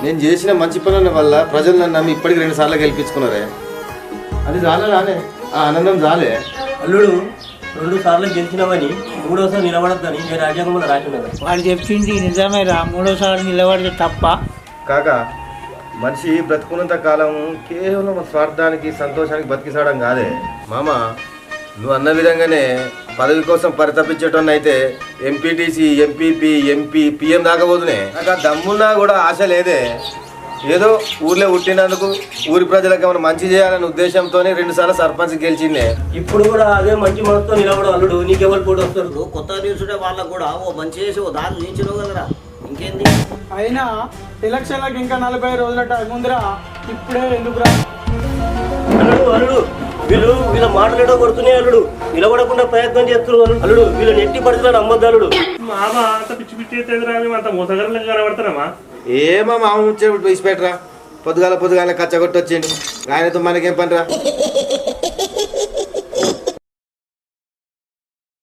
నేను చేసిన మంచి పనుల వల్ల ప్రజలు నన్ను నమ్మి ఇప్పటికి 2 సార్లు గెలిపించుకున్నారే. అది రాలే ఆ ఆనందం రాలే. అల్లుడు 2 సార్లు గెలిచినామని 3వసారి నిలబడద్దని నేను రాజ్యాంగంలో రాసినది. వాడు చెప్పింది నిజమేరా, 3వసారి నిలబడితే తప్ప. కాక మనిషి బ్రతుకున్నంత కాలం కేవలం స్వార్థానికి సంతోషానికి బతికిసాడం కాదే మామ. నువ్వు అన్న విధంగానే పదవి కోసం పరితపించేటోన్ని అయితే ఎంపీటీసీ, ఎంపీపీ, ఎంపీ, పిఎం దాకపోతున్నాయి. నాకు ఆ దమ్మున్నా కూడా ఆశ లేదే. ఏదో ఊర్లో పుట్టినందుకు ఊరి ప్రజలకు ఏమైనా మంచి చేయాలనే ఉద్దేశంతోనే 2 సార్లు సర్పంచ్ గెలిచిందే. ఇప్పుడు కూడా అదే మంచి మనసుతో నిలబడు అల్లుడు. నీకెవరు పోటీ వస్తారు? కొత్త తీసుడే వాళ్ళకు కూడా ఓ మంచి చేసి ఓ దారి నిలిచినావు కదరా, ఇంకేంది? అయినా ఎలక్షన్లకు ఇంకా 40 రోజుల టైం ఉందిరా, ఇప్పుడే ఎందుకురా? అల్లుడు వీళ్ళ మాటలేడో కొడుతున్నాయి అల్లుడు. నిలబడకుండా ప్రయత్నం చేస్తున్నారు అల్లుడు. వీళ్ళని ఎట్టి పరిస్థితులు నమ్మద్దు అల్లుడు. మామ అంత పిచ్చి పిచ్చి అయితే అంత మోసగరంగా కనబడతారమ్మా. ఏమో మామ ముచ్చట తీసిపెట్టరా. పొద్దుగాల కచ్చగొట్టి వచ్చిండు. ఆయనతో మనకేం పనిరా.